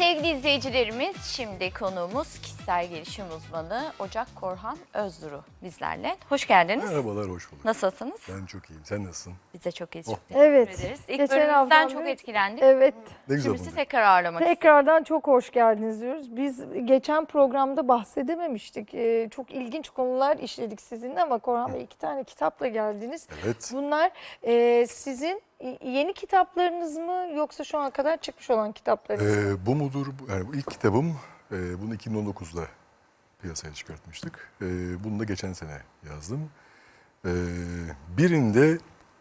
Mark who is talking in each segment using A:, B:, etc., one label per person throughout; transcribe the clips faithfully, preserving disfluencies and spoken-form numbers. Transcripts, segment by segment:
A: Sevgili izleyicilerimiz, şimdi konuğumuz kişisel gelişim uzmanı Ocak Korhan Özduru bizlerle. Hoş geldiniz.
B: Merhabalar, hoş bulduk.
A: Nasılsınız?
B: Ben çok iyiyim. Sen nasılsın?
A: Biz de çok iyiyiz.
B: Oh.
A: Çok teşekkür
C: Evet.
A: ederiz. İlk
C: Geçen
A: bölümümüzden
C: haftadan
A: çok
C: beri-
A: etkilendik.
C: Evet.
B: Ne güzel
A: Şimdi sizi
B: oldu.
A: tekrar ağırlamak istiyorum.
C: Tekrardan çok hoş geldiniz diyoruz. Biz geçen programda bahsedememiştik. Ee, çok ilginç konular işledik sizinle ama Korhan Bey iki tane kitapla geldiniz.
B: Evet.
C: Bunlar e, sizin yeni kitaplarınız mı yoksa şu ana kadar çıkmış olan kitaplarınız mı?
B: Ee, bu mudur? Bu- Yani bu ilk kitabım. E, bunu iki bin on dokuzda piyasaya çıkartmıştık. E, bunu da geçen sene yazdım. E, birinde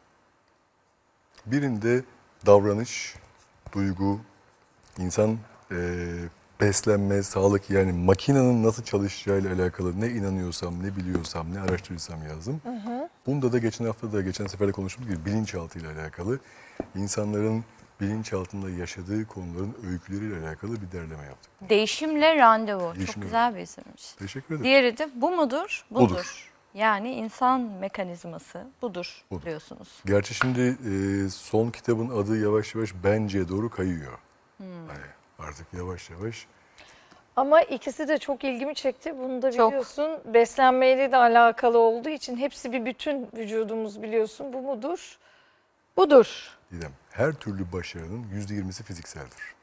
B: birinde davranış, duygu, insan e, beslenme, sağlık, yani makinenin nasıl çalışacağıyla alakalı ne inanıyorsam, ne biliyorsam, ne araştırırsam yazdım. Hı hı. Bunda da geçen hafta da geçen sefer de konuştuğumuz gibi bilinçaltı ile alakalı, insanların bilinçaltında yaşadığı konuların öyküleriyle alakalı bir derleme yaptık.
A: Değişimle randevu.
B: Değişimle
A: Çok güzel bir isimmiş.
B: Teşekkür ederim.
A: Diğeri de bu mudur? Budur.
B: Budur.
A: Yani insan mekanizması budur,
B: Budur.
A: diyorsunuz.
B: Gerçi şimdi e, son kitabın adı yavaş yavaş bence doğru kayıyor.
A: Hmm.
B: Hani artık yavaş yavaş.
C: Ama ikisi de çok ilgimi çekti. Bunu da
A: Çok.
C: biliyorsun. Beslenmeyle de alakalı olduğu için hepsi bir bütün, vücudumuz biliyorsun. Bu mudur? Budur.
B: Didem, her türlü başarının yüzde yirmisi fizikseldir.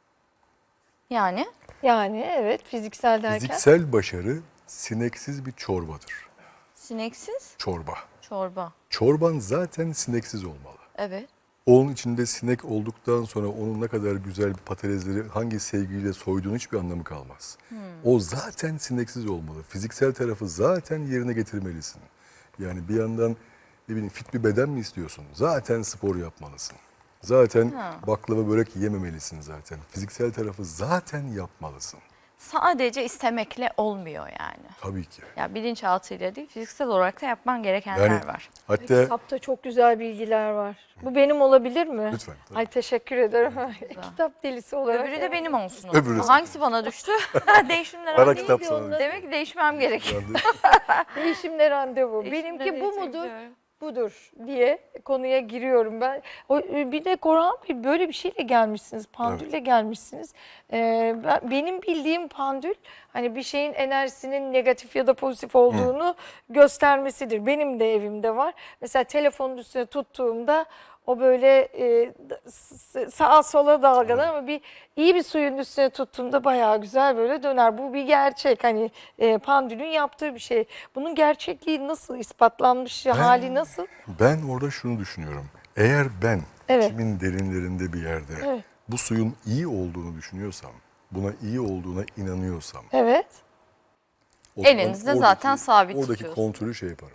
A: Yani
C: Yani evet, fiziksel derken.
B: Fiziksel başarı sineksiz bir çorbadır.
A: sineksiz
B: Çorba.
A: çorba.
B: Çorban zaten sineksiz olmalı.
A: Evet.
B: Onun içinde sinek olduktan sonra onun ne kadar güzel bir patatesleri hangi sevgiyle soyduğun hiçbir anlamı kalmaz. O zaten sineksiz olmalı. Fiziksel tarafı zaten yerine getirmelisin. Yani bir yandan ne bileyim fit bir beden mi istiyorsun? Zaten spor yapmalısın. Zaten
A: Ha.
B: baklava börek yememelisin zaten. Fiziksel tarafı zaten yapmalısın.
A: Sadece istemekle olmuyor yani.
B: Tabii ki.
A: Ya bilinçaltıyla değil, fiziksel olarak da yapman gerekenler
B: Yani
A: var.
B: hatta
C: Kitapta çok güzel bilgiler var. Bu benim olabilir mi?
B: lütfen. tabii.
C: Ay teşekkür ederim. Kitap delisi olarak.
A: Öbürü de benim olsun. o
B: Öbürü
A: zaman.
B: de-
A: Hangisi bana düştü? Değişimler
B: Ara
A: randevu.
B: kitap sana.
A: Demek ki değişmem gerekiyor.
B: Ben de-
C: Değişimle randevu.
A: Değişimle
C: Benimki bu
A: randevu
C: mudur?
A: diyorum.
C: Budur diye konuya giriyorum ben. O, bir de Korhan Bey böyle bir şeyle gelmişsiniz, pandülle gelmişsiniz. Ee, ben, benim bildiğim pandül hani bir şeyin enerjisinin negatif ya da pozitif olduğunu göstermesidir. Benim de evimde var. Mesela telefonun üstüne tuttuğumda o böyle e, s- sağa sola dalgalar ama bir iyi bir suyun üstüne tuttuğumda bayağı güzel böyle döner. Bu bir gerçek, hani e, pandülün yaptığı bir şey. Bunun gerçekliği nasıl ispatlanmış, hali nasıl?
B: Ben orada şunu düşünüyorum. Eğer ben
C: Evet.
B: içimin derinlerinde bir yerde
C: Evet.
B: bu suyun iyi olduğunu düşünüyorsam, buna iyi olduğuna inanıyorsam,
C: Evet.
B: o zaman
A: Elinizde
B: oradaki-
A: zaten sabit
B: Oradaki
A: tutuyorsunuz.
B: kontrolü şey yaparım.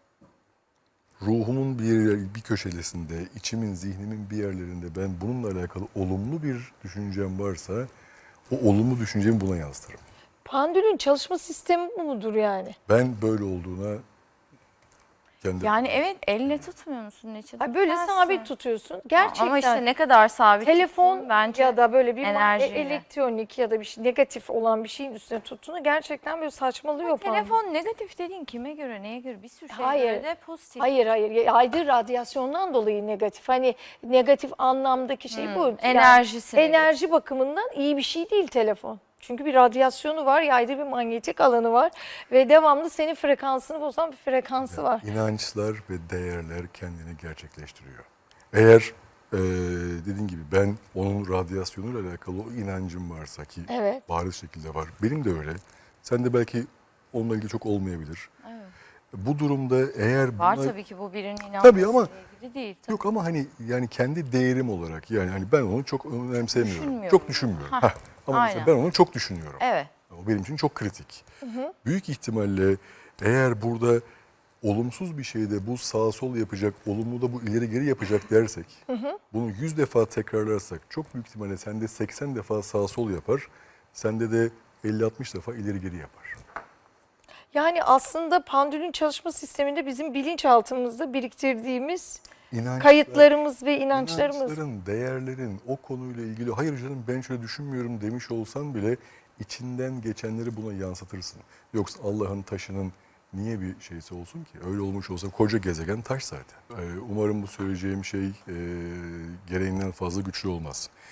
B: Ruhumun bir yer- bir köşesinde, içimin, zihnimin bir yerlerinde ben bununla alakalı olumlu bir düşüncem varsa o olumlu düşüncemi buna yansıtırım.
C: Pandülün çalışma sistemi bu mudur yani?
B: Ben böyle olduğuna kendi
A: Yani evet, elle tutmuyor musun Neçe?
C: Ay böyle
A: Tutarsın.
C: sabit tutuyorsun. Gerçekten.
A: Ama işte ne kadar sabit
C: Telefon
A: tuttuğun bence
C: ya da böyle bir ma-
A: enerjiyle.
C: elektronik ya da bir şey negatif olan bir şeyin üstüne tuttuğunda gerçekten böyle saçmalıyor pandül.
A: Telefon negatif dediğin kime göre, neye göre? Bir sürü şeye
C: Hayır.
A: göre de pozitif.
C: Hayır hayır yaydığı radyasyondan dolayı negatif. Hani negatif anlamdaki şey bu. Yani
A: enerjisi
C: enerji bakımından iyi bir şey değil telefon. Çünkü bir radyasyonu var, yaydığı bir manyetik alanı var ve devamlı senin frekansını bozan bir frekansı var.
B: İnançlar ve değerler kendini gerçekleştiriyor. Eğer e, dediğin gibi ben onun radyasyonuyla alakalı o inancım varsa ki
C: Evet.
B: bariz şekilde var. Benim de öyle. Sen de belki onunla ilgili çok olmayabilir.
A: Evet.
B: Bu durumda eğer
A: Var
B: buna-
A: tabii ki, bu birinin inanmasıyla
B: Tabii ama-
A: ilgili değil. Tabii.
B: Yok ama hani yani kendi değerim olarak yani hani ben onu çok önemsemiyorum.
A: Düşünmüyorum.
B: Çok düşünmüyorum.
A: Hah,
B: Hah. Ama mesela
A: aynen.
B: ben onu çok düşünüyorum.
A: Evet.
B: O benim için çok kritik. Büyük ihtimalle eğer burada olumsuz bir şeyde bu sağ sol yapacak, olumlu da bu ileri geri yapacak dersek, bunu yüz defa tekrarlarsak çok büyük ihtimalle sende seksen defa sağ sol yapar, sende de elli altmış defa ileri geri yapar.
C: Yani aslında pandülün çalışma sisteminde bizim bilinçaltımızda biriktirdiğimiz
B: İnançlar,
C: kayıtlarımız ve inançlarımız.
B: İnançların, değerlerin o konuyla ilgili hayır canım ben şöyle düşünmüyorum demiş olsan bile içinden geçenleri buna yansıtırsın. Yoksa Allah'ın taşının niye bir şeysi olsun ki? Öyle olmuş olsa koca gezegen taş zaten. Ee, umarım bu söyleyeceğim şey e, gereğinden fazla güçlü olmaz.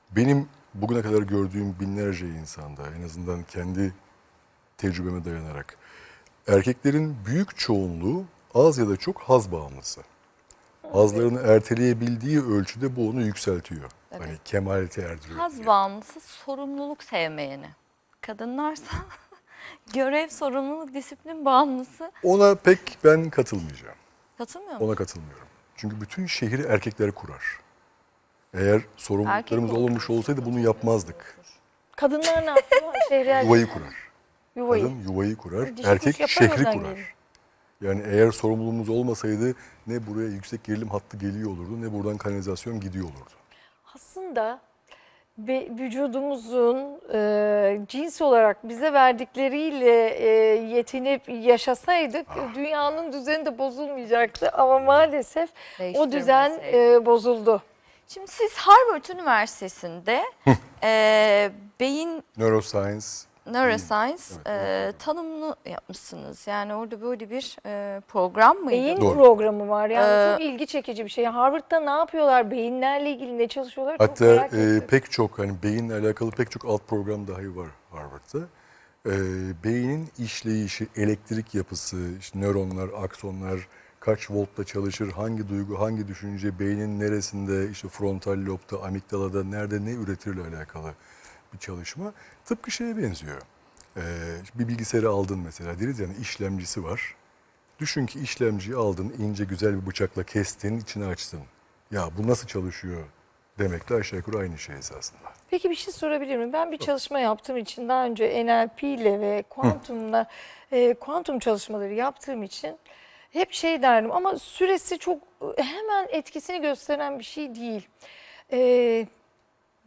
B: benim bugüne kadar gördüğüm binlerce insanda, en azından kendi tecrübeme dayanarak, erkeklerin büyük çoğunluğu az ya da çok haz bağımlısı. Hazlarını erteleyebildiği ölçüde bu onu yükseltiyor.
A: Evet.
B: Hani kemalete erdiriyor.
A: Haz
B: diye.
A: bağımlısı, sorumluluk sevmeyeni. Kadınlarsa görev, sorumluluk, disiplin bağımlısı.
B: Ona pek ben katılmayacağım.
A: Katılmıyor musun?
B: Ona katılmıyorum. Çünkü bütün şehri erkekler kurar. Eğer sorumluluklarımız
A: Erkek
B: olmuş olsaydı bunu yapmazdık.
C: Kadınlar ne yapıyor? Şehre
B: Yuvayı kurar.
C: Yuvayı.
B: Kadın yuvayı kurar,
C: Dişi
B: erkek
C: kuş yapar
B: şehri
C: oradan
B: kurar.
C: gelir.
B: Yani eğer sorumluluğumuz olmasaydı ne buraya yüksek gerilim hattı geliyor olurdu ne buradan kanalizasyon gidiyor olurdu.
C: Aslında ve vücudumuzun e, cins olarak bize verdikleriyle e, yetinip yaşasaydık dünyanın düzeni de bozulmayacaktı. Ama maalesef o düzen
A: Değiştirmeseydik.
C: e, bozuldu.
A: Şimdi siz Harvard Üniversitesi'nde e, beyin
B: Neuroscience,
A: neuroscience
B: Evet,
A: e,
B: evet.
A: tanımını yapmışsınız. Yani orada böyle bir e, program mıydı?
C: Beyin
B: Doğru.
C: programı var. Yani
A: Ee,
C: çok ilgi çekici bir şey. Harvard'da ne yapıyorlar? Beyinlerle ilgili ne çalışıyorlar? Çok
B: hatta
C: merak
B: e,
C: ettim.
B: pek çok hani beyinle alakalı pek çok alt program dahi var Harvard'da. E, beynin işleyişi, elektrik yapısı, işte nöronlar, aksonlar kaç voltla çalışır, hangi duygu, hangi düşünce, beynin neresinde, işte frontal lobda, amigdalada nerede ne üretirle alakalı bir çalışma. Tıpkı şeye benziyor. E, bir bilgisayarı aldın mesela, deriz yani işlemcisi var. Düşün ki işlemciyi aldın, ince güzel bir bıçakla kestin, içini açtın. Ya bu nasıl çalışıyor demek de aşağı yukarı aynı şey esasında.
C: Peki bir şey sorabilir miyim? Ben bir çalışma yaptığım için daha önce N L P ile ve kuantumla e, kuantum çalışmaları yaptığım için hep şey derdim ama süresi çok hemen etkisini gösteren bir şey değil. E,